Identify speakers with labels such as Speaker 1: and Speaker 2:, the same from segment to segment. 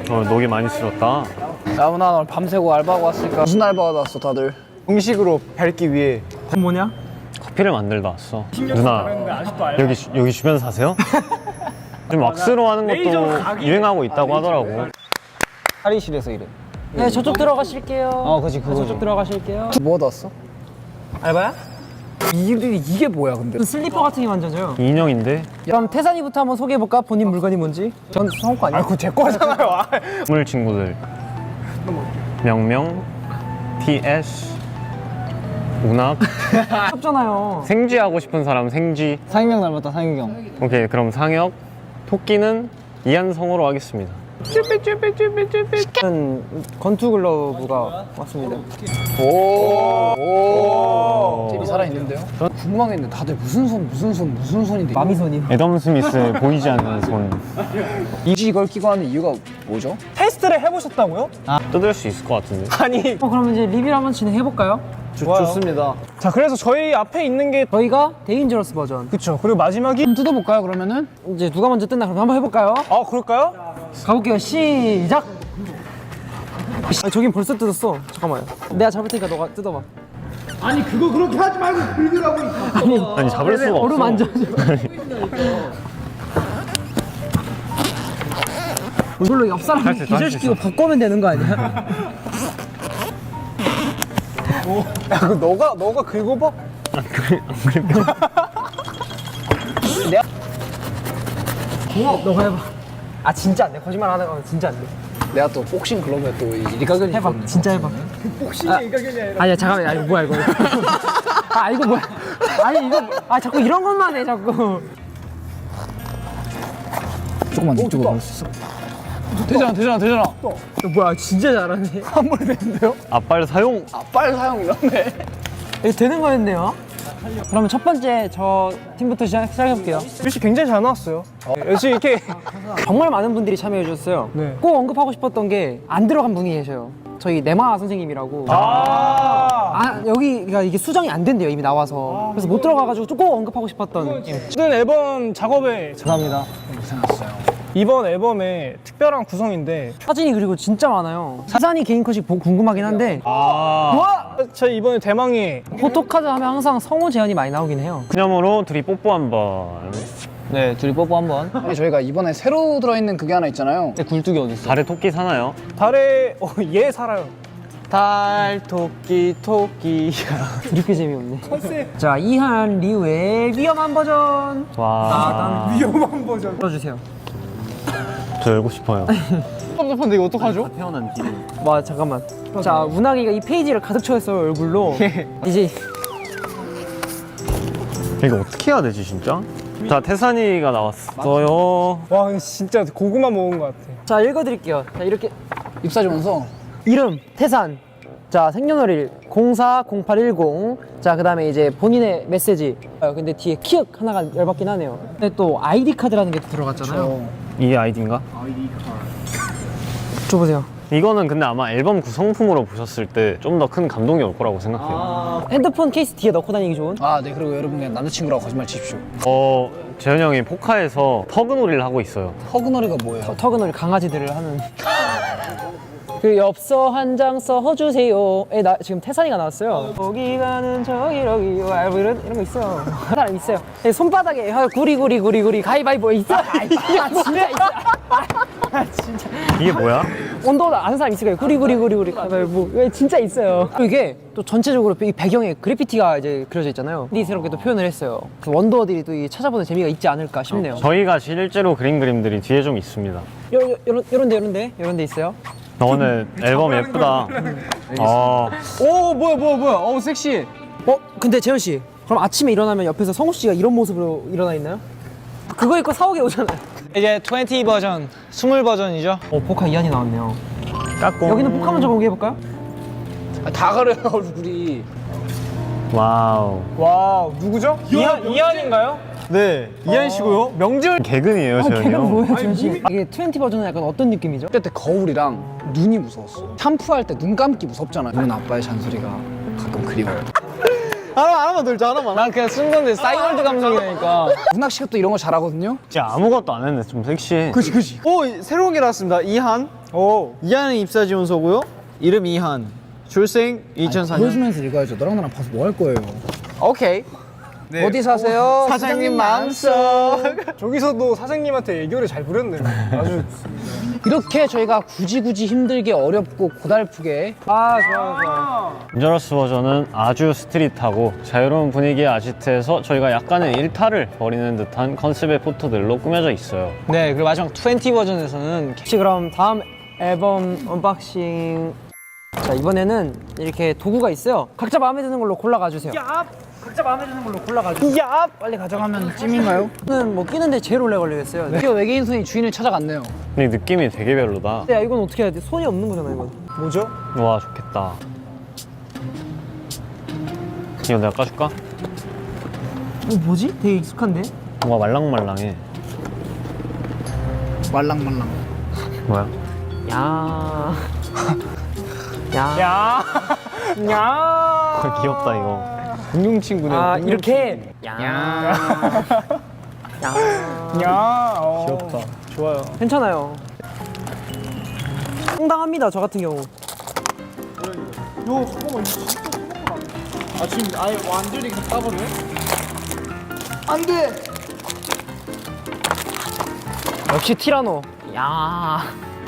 Speaker 1: 녹이 많이 쓸었다.
Speaker 2: 야, 나 오늘 밤새고 알바하고 왔으니까. 무슨 알바가 왔어, 다들?
Speaker 3: 음식으로 밟기 위해.
Speaker 4: 뭐냐?
Speaker 1: 커피를 만들다 왔어. 누나, 여기 주변 사세요? 좀 왁스로 하는 것도 유행하고 있다고 하더라고.
Speaker 3: 탈의실에서 일해.
Speaker 4: 네, 저쪽 들어가실게요.
Speaker 3: 그치, 그거지.
Speaker 4: 저쪽 들어가실게요.
Speaker 2: 뭐 얻었어?
Speaker 4: 알바야?
Speaker 2: 이게 뭐야, 근데?
Speaker 4: 슬리퍼 같은 게 만져져요.
Speaker 1: 인형인데
Speaker 4: 그럼 태산이부터 한번 소개해볼까? 본인 물건이 뭔지? 전 성과 아니야?
Speaker 3: 그거 제 거잖아요.
Speaker 1: 물 친구들. 명명, TS, 운학.
Speaker 4: 없잖아요.
Speaker 1: 생쥐 하고 싶은 사람 생쥐.
Speaker 3: 상혁 닮았다, 상혁.
Speaker 1: 오케이, 그럼 상혁. 토끼는 이한성으로 하겠습니다.
Speaker 4: 저는 건투 글러브가 왔습니다.
Speaker 2: 젤이 살아있는데요? 전 궁금한 게 있는데 다들 무슨 손인데?
Speaker 4: 마미손이.
Speaker 1: 애덤 스미스 보이지 않는 손.
Speaker 2: 이걸 끼고 하는 이유가 뭐죠?
Speaker 3: 테스트를 해보셨다고요?
Speaker 1: 뜯을 수 있을 것 같은데.
Speaker 3: 아니.
Speaker 4: 그럼 이제 리뷰를 한번 진행해볼까요?
Speaker 2: 좋습니다.
Speaker 3: 자, 그래서 저희 앞에 있는 게.
Speaker 4: 저희가 데인저러스 버전.
Speaker 3: 그쵸. 그리고 마지막이.
Speaker 2: 한번 뜯어볼까요, 그러면은?
Speaker 4: 이제 누가 먼저 뜯나 그럼 한번 해볼까요?
Speaker 3: 아, 그럴까요?
Speaker 4: 가볼게요. 시작! 아, 저긴 벌써 뜯었어. 잠깐만요. 내가 잡을 테니까 너가 뜯어봐.
Speaker 1: 아니 잡을 수가 없어.
Speaker 4: 얼음 만져. 이걸로 옆 사람
Speaker 1: 할수 있어, 할수
Speaker 4: 기절시키고 바꾸면 되는 거 아니야?
Speaker 3: 야, 그거 너가 긁어봐?
Speaker 4: 너가 해봐. 아 진짜 안 돼. 거짓말 하는 건 진짜 안 돼.
Speaker 2: 내가 또 복싱 글러브에 또 일가견이
Speaker 4: 해봐.
Speaker 2: 있거든.
Speaker 4: 진짜 해봐.
Speaker 3: 복싱이 일가견이 아니라.
Speaker 4: 아니야 잠깐만. 아 이거 뭐야 이거. 아 이거 뭐야. 아니 이거 자꾸 이런 것만 해 자꾸.
Speaker 2: 조금만 이쪽으로 갈 수 있어? 되잖아.
Speaker 4: 너 뭐야 진짜 잘하네.
Speaker 2: 한 번에 되는데요?
Speaker 1: 앞발 사용.
Speaker 2: 빨 사용 이러네.
Speaker 4: 이거 되는 거였네요. 그러면 첫 번째 저 팀부터 시작해볼게요.
Speaker 3: 글씨 굉장히 잘 나왔어요. 역시 이렇게.
Speaker 4: 정말 많은 분들이 참여해 주셨어요.
Speaker 3: 네.
Speaker 4: 꼭 언급하고 싶었던 게 안 들어간 분이 계셔요. 저희 네마 선생님이라고. 여기가 이게 수정이 안 된대요 이미 나와서. 그래서 못 들어가가지고 꼭 언급하고 싶었던.
Speaker 3: 모든 앨범 작업에 감사합니다.
Speaker 2: 고생하셨어요.
Speaker 3: 이번 앨범의 특별한 구성인데.
Speaker 4: 사진이 그리고 진짜 많아요. 사진이 개인 컷이 궁금하긴 한데
Speaker 3: 저희 이번에 대망의.
Speaker 4: 포토카드 하면 항상 성우 제안이 많이 나오긴 해요.
Speaker 1: 그녀으로 둘이 뽀뽀 한번.
Speaker 4: 네, 둘이 뽀뽀 한번.
Speaker 2: 아니, 저희가 이번에 새로 들어있는 그게 하나 있잖아요.
Speaker 4: 굴뚝이 어디 있어?
Speaker 1: 달에 토끼 사나요?
Speaker 3: 달에 얘 살아요.
Speaker 4: 달 토끼. 이렇게 재미없네. 자, 이한 리우의 위험한 버전.
Speaker 1: 와.
Speaker 3: 위험한 버전.
Speaker 4: 들어주세요.
Speaker 1: 저 열고 싶어요.
Speaker 3: 섭섭한데 이거 어떡하죠?
Speaker 1: 태어난 길이.
Speaker 4: 와 잠깐만. 자, 운항이가 이 페이지를 가득 채웠어요 얼굴로. 이제
Speaker 1: 이거 어떻게 해야 되지 진짜? 자, 태산이가 나왔어요.
Speaker 3: 와, 진짜 고구마 먹은 것 같아.
Speaker 4: 자 읽어드릴게요. 자 이렇게
Speaker 2: 입사지원서.
Speaker 4: 이름 태산. 자 생년월일 040810. 자 그다음에 이제 본인의 메시지. 근데 뒤에 키읔 하나가 열받긴 하네요. 근데 또 아이디 카드라는 게 또 들어갔잖아요.
Speaker 1: 이게 아이디인가?
Speaker 4: 줘보세요.
Speaker 1: 이거는 근데 아마 앨범 구성품으로 보셨을 때 좀 더 큰 감동이 올 거라고 생각해요.
Speaker 4: 핸드폰 케이스 뒤에 넣고 다니기 좋은.
Speaker 2: 아, 네. 그리고 여러분 그냥 남자친구라고 거짓말 치십시오.
Speaker 1: 재현이 형이 포카에서 터그놀이를 하고 있어요.
Speaker 2: 허그너리가 뭐예요?
Speaker 4: 터그놀이 강아지들을 하는. 그 엽서 한 장 써주세요. 나 지금 태산이가 나왔어요. 저기 가는 저기 이런 거 있어요. 사람 있어요. 손바닥에 구리 가위바위보 있어. 진짜 있어. 진짜.
Speaker 1: 이게 뭐야?
Speaker 4: 온도 아는 사람 있을 거예요. 구리 가위바위보. 진짜 있어요. 이게 또 전체적으로 이 배경에 그래피티가 이제 그려져 있잖아요. 디스럽게 또 표현을 했어요. 그 원더들이 또 찾아보는 재미가 있지 않을까 싶네요.
Speaker 1: 저희가 실제로 그린 그림들이 뒤에 좀 있습니다.
Speaker 4: 요런 데 있어요.
Speaker 1: 오늘 앨범 예쁘다.
Speaker 3: 오, 뭐야. 섹시해.
Speaker 4: 근데 재현 씨, 그럼 아침에 일어나면 옆에서 성우 씨가 이런 모습으로 일어나 있나요? 그거 입고 사옥에 오잖아요.
Speaker 3: 이제 20 버전, 20 버전이죠.
Speaker 4: 포카 이한이 나왔네요.
Speaker 1: 까꿍.
Speaker 4: 여기는 포카 먼저 공개해볼까요?
Speaker 2: 아, 다 가려요, 얼굴이.
Speaker 1: 와우.
Speaker 3: 와우, 누구죠? 이한인가요? 네, 이한 씨고요. 명절.
Speaker 1: 개근이에요, 재현이
Speaker 4: 걔는
Speaker 1: 형.
Speaker 4: 뭐예요, 재현 씨? 이게 20 버전은 약간 어떤 느낌이죠?
Speaker 2: 그때 거울이랑 눈이 무서웠어. 샴푸할 때 눈 감기 무섭잖아. 눈 아빠의 잔소리가 가끔 그리워요.
Speaker 3: 하나만 들자, 하나만.
Speaker 2: 난 그냥 쓴 건데 싸이월드 감성이니까. 문학 씨가 또 이런 거 잘하거든요.
Speaker 1: 진짜 아무것도 안 했는데 좀 섹시해.
Speaker 3: 그치. 오, 새로운 게 나왔습니다. 이한. 이한은 입사 지원서고요. 이름 이한. 출생 2004년.
Speaker 2: 보여주면서 읽어야죠. 너랑 나랑 봐서 뭐 할 거예요?
Speaker 3: 오케이.
Speaker 2: 어디 사세요?
Speaker 3: 사장님 마음속.
Speaker 5: 저기서도 사장님한테 애교를 잘 부렸네. 아주
Speaker 2: 이렇게 저희가 굳이 힘들게 어렵고 고달프게
Speaker 4: 좋아요.
Speaker 1: 인저러스 버전은 아주 스트릿하고 자유로운 분위기의 아지트에서 저희가 약간의 일탈을 벌이는 듯한 컨셉의 포토들로 꾸며져 있어요.
Speaker 2: 네, 그리고 마지막 20 버전에서는
Speaker 4: 혹시 그럼 다음 앨범 언박싱. 자, 이번에는 이렇게 도구가 있어요. 각자 마음에 드는 걸로 골라가 주세요. 각자 마음에 드는 걸로 골라가 주세요.
Speaker 2: 빨리 가져가면 찜인가요?
Speaker 4: 저는 뭐 끼는데 제일 오래 걸리겠어요.
Speaker 2: 드디어 외계인 손이 주인을 찾아갔네요.
Speaker 1: 근데 느낌이 되게 별로다.
Speaker 4: 야, 이건 어떻게 해야 돼? 손이 없는 거잖아, 이건.
Speaker 5: 뭐죠?
Speaker 1: 와, 좋겠다. 이거 내가 까줄까?
Speaker 4: 뭐지? 되게 익숙한데?
Speaker 1: 뭔가 말랑말랑해.
Speaker 2: 말랑말랑.
Speaker 1: 뭐야?
Speaker 4: 야. 야.
Speaker 5: 야. 야.
Speaker 1: 귀엽다 이거.
Speaker 2: 공룡 친구네.
Speaker 4: 이렇게.
Speaker 5: 야. 귀엽다. 좋아요.
Speaker 4: 괜찮아요. 상당합니다, 저 같은 경우.
Speaker 3: 아, 지금 아예 완전히 까버려?
Speaker 4: 역시 티라노. 야.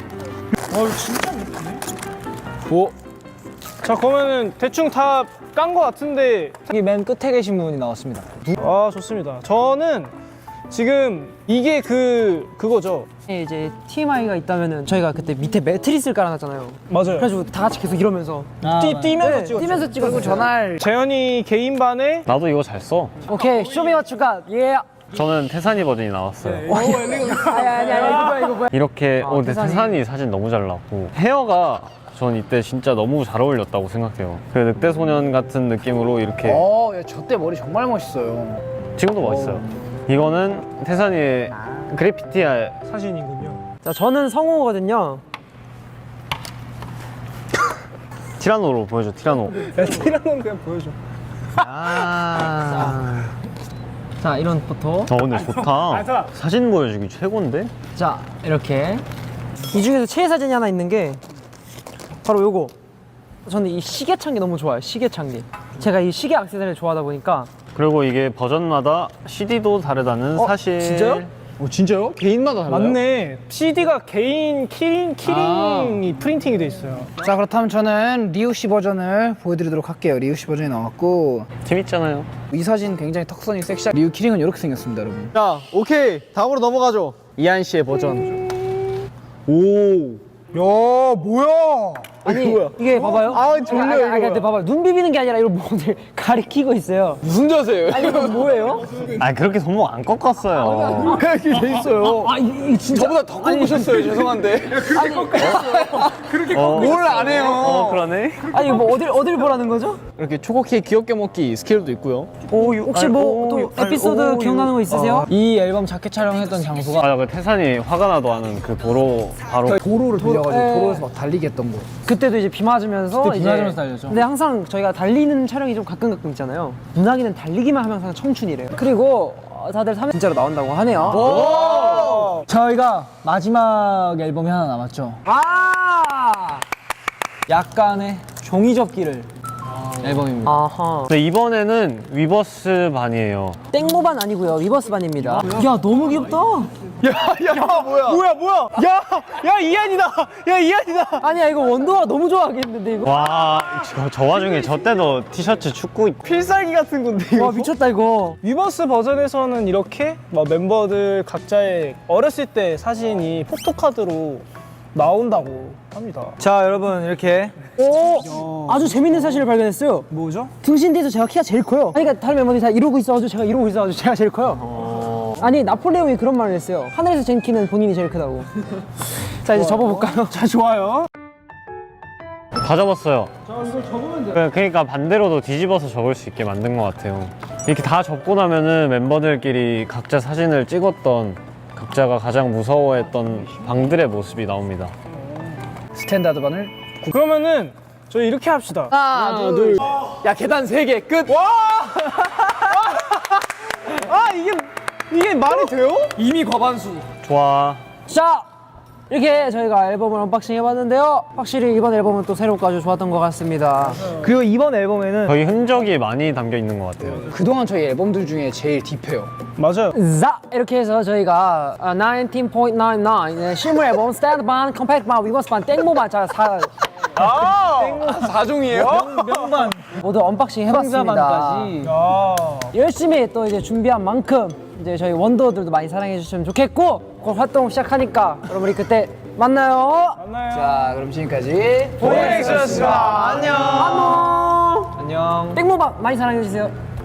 Speaker 5: 자, 그러면은 대충 다 깐 거 같은데.
Speaker 2: 여기 맨 끝에 계신 분이 나왔습니다.
Speaker 5: 아, 좋습니다. 저는 지금 이게 그거죠.
Speaker 4: 이제 TMI가 있다면은 저희가 그때 밑에 매트리스를 깔아놨잖아요.
Speaker 5: 맞아요.
Speaker 4: 그래가지고 다 같이 계속 이러면서
Speaker 5: 뛰면서 찍었죠.
Speaker 4: 뛰면서 찍었고 전날.
Speaker 5: 재현이 개인반에
Speaker 1: 나도 이거 잘 써.
Speaker 4: 오케이, 쇼미와추가 예.
Speaker 1: 저는 태산이 버전이 나왔어요.
Speaker 4: 아니 이거 뭐야?
Speaker 1: 이렇게 근데
Speaker 4: 태산이.
Speaker 1: 태산이 사진 너무 잘 나왔고 헤어가 전 이때 진짜 너무 잘 어울렸다고 생각해요. 그 늑대 소년 같은 느낌으로 이렇게
Speaker 2: 저 때 머리 정말 멋있어요.
Speaker 1: 지금도 멋있어요. 이거는 태산이의 그래피티
Speaker 5: 사진이군요.
Speaker 4: 자, 저는 성우거든요.
Speaker 1: 티라노로 보여줘. 티라노.
Speaker 5: 야, 티라노는 그냥 보여줘.
Speaker 4: 자, 이런 포토.
Speaker 1: 근데 좋다. 사진 보여주기 최고인데?
Speaker 4: 자, 이렇게. 이 중에서 최애 사진이 하나 있는 게 바로 요거. 저는 이 시계 chan기 너무 좋아요. 시계 chan기. 제가 이 시계 액세서리를 좋아하다 보니까.
Speaker 1: 그리고 이게 버전마다 CD도 다르다는 사실.
Speaker 4: 진짜요?
Speaker 2: 진짜요? 개인마다 달라요?
Speaker 5: 맞네. CD가 개인 키링이 프린팅이 돼 있어요.
Speaker 2: 자, 그렇다면 저는 리우 씨 버전을 보여드리도록 할게요. 리우 씨 버전이 나왔고
Speaker 1: 재밌잖아요.
Speaker 2: 이 사진 굉장히 턱선이 섹시한 리우 키링은 이렇게 생겼습니다, 여러분.
Speaker 3: 자, 오케이. 다음으로 넘어가죠. 이한 씨의 버전. 오.
Speaker 5: 야, 뭐야?
Speaker 4: 아니, 이게 봐봐요.
Speaker 5: 졸려요, 이거.
Speaker 4: 근데 봐봐요. 눈 비비는 게 아니라 이걸 뭐들 가리키고 있어요.
Speaker 3: 무슨 자세예요?
Speaker 4: 아니, 이거 뭐예요?
Speaker 1: 그렇게 손목 안 꺾었어요.
Speaker 3: 이렇게 돼 있어요.
Speaker 4: 이게 진짜.
Speaker 3: 저보다 더 꺾으셨어요. 죄송한데. 뭘 안 해요.
Speaker 1: 그러네.
Speaker 4: 아니, 뭐 어딜 보라는 거죠?
Speaker 3: 이렇게 초코 케이크 귀엽게 먹기 스케일도 있고요.
Speaker 4: 혹시 뭐 또 에피소드 기억나는 거 있으세요?
Speaker 2: 이 앨범 자켓 촬영했던 장소가
Speaker 1: 그 태산이 화가 나도 하는 그 도로 바로
Speaker 2: 도로를 돌려가지고
Speaker 4: 예.
Speaker 2: 도로에서 막 달리게 했던 거.
Speaker 4: 그때도 이제 비 맞으면서
Speaker 2: 그때 비 맞으면서 달렸죠.
Speaker 4: 근데 항상 저희가 달리는 촬영이 좀 가끔 있잖아요. 문학이는 달리기만 하면 항상 청춘이래요. 그리고 다들 3회 진짜로 나온다고 하네요.
Speaker 2: 저희가 마지막 앨범이 하나 남았죠. 약간의 종이접기를 앨범입니다.
Speaker 4: 아하.
Speaker 1: 근데 이번에는 위버스 반이에요.
Speaker 4: 땡모반 아니고요. 위버스 반입니다. 야, 너무 귀엽다.
Speaker 5: 뭐야? 야, 이한이다. 야, 이한이다.
Speaker 4: 아니야, 이거 원도가 너무 좋아하겠는데 이거.
Speaker 1: 와, 저 와중에 저 때도 티셔츠 축구
Speaker 5: 필살기 같은 건데. 이거.
Speaker 4: 와, 미쳤다 이거.
Speaker 5: 위버스 버전에서는 이렇게 막 멤버들 각자의 어렸을 때 사진이 포토카드로 나온다고 합니다.
Speaker 4: 자, 여러분 이렇게 아주 재밌는 사실을 발견했어요.
Speaker 5: 뭐죠?
Speaker 4: 등신 뒤에서 제가 키가 제일 커요. 그러니까 다른 멤버들이 다 이러고 있어가지고 제가 이러고 있어가지고 제가 제일 커요. 아니, 나폴레옹이 그런 말을 했어요. 하늘에서 잰 키는 본인이 제일 크다고. 자, 이제 접어볼까요?
Speaker 5: 자, 좋아요.
Speaker 1: 다 접었어요. 그러니까 반대로도 뒤집어서 접을 수 있게 만든 것 같아요. 이렇게 다 접고 나면은 멤버들끼리 각자 사진을 찍었던 각자가 가장 무서워했던 방들의 모습이 나옵니다.
Speaker 2: 스탠다드 반을
Speaker 5: 그러면은 저희 이렇게 합시다.
Speaker 2: 하나, 둘.
Speaker 3: 야, 계단 3개 끝.
Speaker 5: 와!
Speaker 3: 이게 말이 돼요?
Speaker 2: 이미 과반수.
Speaker 1: 좋아.
Speaker 4: 자, 이렇게 저희가 앨범을 언박싱 해봤는데요. 확실히 이번 앨범은 또 새롭고 아주 좋았던 것 같습니다.
Speaker 5: 그리고 이번 앨범에는
Speaker 1: 거의 흔적이 많이 담겨 있는 것 같아요.
Speaker 2: 그동안 저희 앨범들 중에 제일 딥해요.
Speaker 5: 맞아요.
Speaker 4: 자, 이렇게 해서 저희가 19.99 실물 앨범 스탠드반 컴팩트반 위버스반 땡모반 자
Speaker 2: 4종이에요?
Speaker 5: 명반.
Speaker 4: 모두 언박싱 해봤습니다.
Speaker 5: 아.
Speaker 4: 열심히 또 이제 준비한 만큼 이제 저희 원더들도 많이 사랑해 주시면 좋겠고 곧 활동 시작하니까 여러분이 그때 만나요.
Speaker 2: 자, 그럼 지금까지
Speaker 3: 보이엑스였습니다. 안녕.
Speaker 4: 안녕.
Speaker 3: 안녕.
Speaker 4: 땡모반 많이 사랑해 주세요.